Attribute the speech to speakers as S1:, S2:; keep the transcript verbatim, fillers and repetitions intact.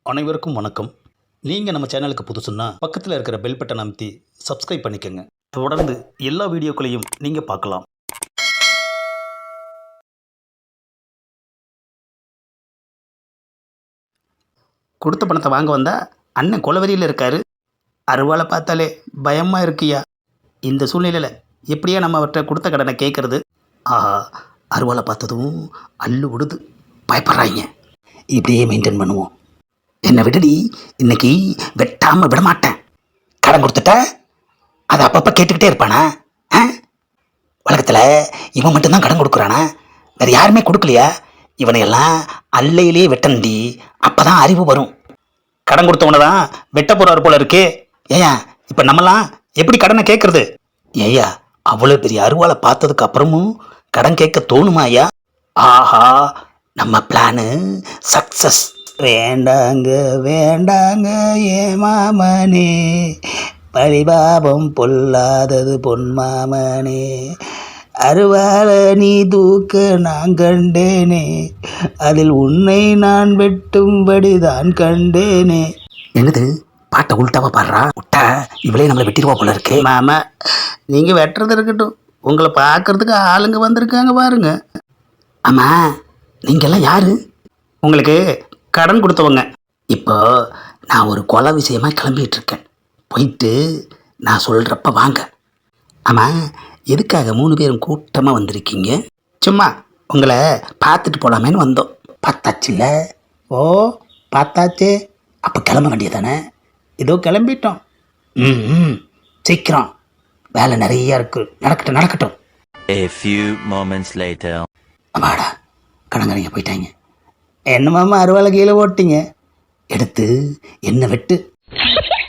S1: அனைவருக்கும் வணக்கம். நீங்கள் நம்ம சேனலுக்கு புதுசுன்னா பக்கத்தில் இருக்கிற பெல் பட்டன் அமைத்தி சப்ஸ்கிரைப் பண்ணிக்கோங்க. தொடர்ந்து எல்லா வீடியோக்களையும் நீங்கள் பார்க்கலாம். கொடுத்த பணத்தை வாங்க வந்தா அண்ணன் கொலவெறியில் இருக்காரு. அருவாளை பார்த்தாலே பயமாக இருக்குயா. இந்த சூழ்நிலையில் எப்படியா நம்ம அவர்கிட்ட கொடுத்த கடனை கேட்குறது? ஆஹா, அருவாளை பார்த்ததும் அள்ளு விடுது, பயப்படுறாங்க. இப்படியே மெயின்டைன் பண்ணுவோம். என்னை விடுடி, இன்னைக்கு வெட்டாமல் விட மாட்டேன். கடன் கொடுத்துட்ட அதை அப்பப்போ கேட்டுக்கிட்டே இருப்பானா? ஆ, உலகத்தில் இவன் மட்டும்தான் கடன் கொடுக்குறானா? வேறு யாருமே கொடுக்கலையா? இவனையெல்லாம் அல்லையிலேயே வெட்டண்டி, அப்போ தான் அறிவு வரும். கடன் கொடுத்தவனை தான் வெட்ட போகிறாரு போல இருக்கே. ஏயா, இப்போ நம்மலாம் எப்படி கடனை கேட்குறது? ஏயா, அவ்வளோ பெரிய அருவாளை பார்த்ததுக்கு அப்புறமும் கடன் கேட்க தோணுமா ஐயா? ஆஹா, நம்ம பிளானு சக்ஸஸ். வேண்டாங்க வேண்டாங்க ஏ மாமனே, பழிபாபம் பொல்லாதது பொன் மாமனே, அருவாள நீ தூக்க நான் கண்டேனே, அதில் உன்னை நான் வெட்டும்படி தான் கண்டேனே. என்னது, பாட்டை உள்டாவா பாடுறா? விட்டா இவளே நம்மளை வெட்டிடுவா போல இருக்கே. மாமா, நீங்கள் வெட்டுறது இருக்கட்டும், உங்களை பார்க்கறதுக்கு ஆளுங்க வந்திருக்காங்க பாருங்க. ஆமாம், நீங்கள்லாம் யாரு? உங்களுக்கு கடன் கொடுத்தவங்க. இப்போ நான் ஒரு கொலை விஷயமாக கிளம்பிகிட்டு இருக்கேன். போயிட்டு நான் சொல்கிறப்ப வாங்க. ஆமாம், எதுக்காக மூணு பேரும் கூட்டமாக வந்திருக்கீங்க? சும்மா உங்களை பார்த்துட்டு போகலாமேன்னு வந்தோம். பார்த்தாச்சுல்ல? ஓ, பார்த்தாச்சு. அப்போ கிளம்ப வேண்டியதானே? ஏதோ கிளம்பிட்டோம். ம் ம் சீக்கிரம், வேலை நிறையா இருக்குது. நடக்கட்டும் நடக்கட்டும்.
S2: A few moments later.
S1: அம்மாடா, கடங்கரைங்க போயிட்டாங்க. என்ன மாமா அருவாளை கீழே ஓட்டிங்க? எடுத்து என்ன வெட்டு.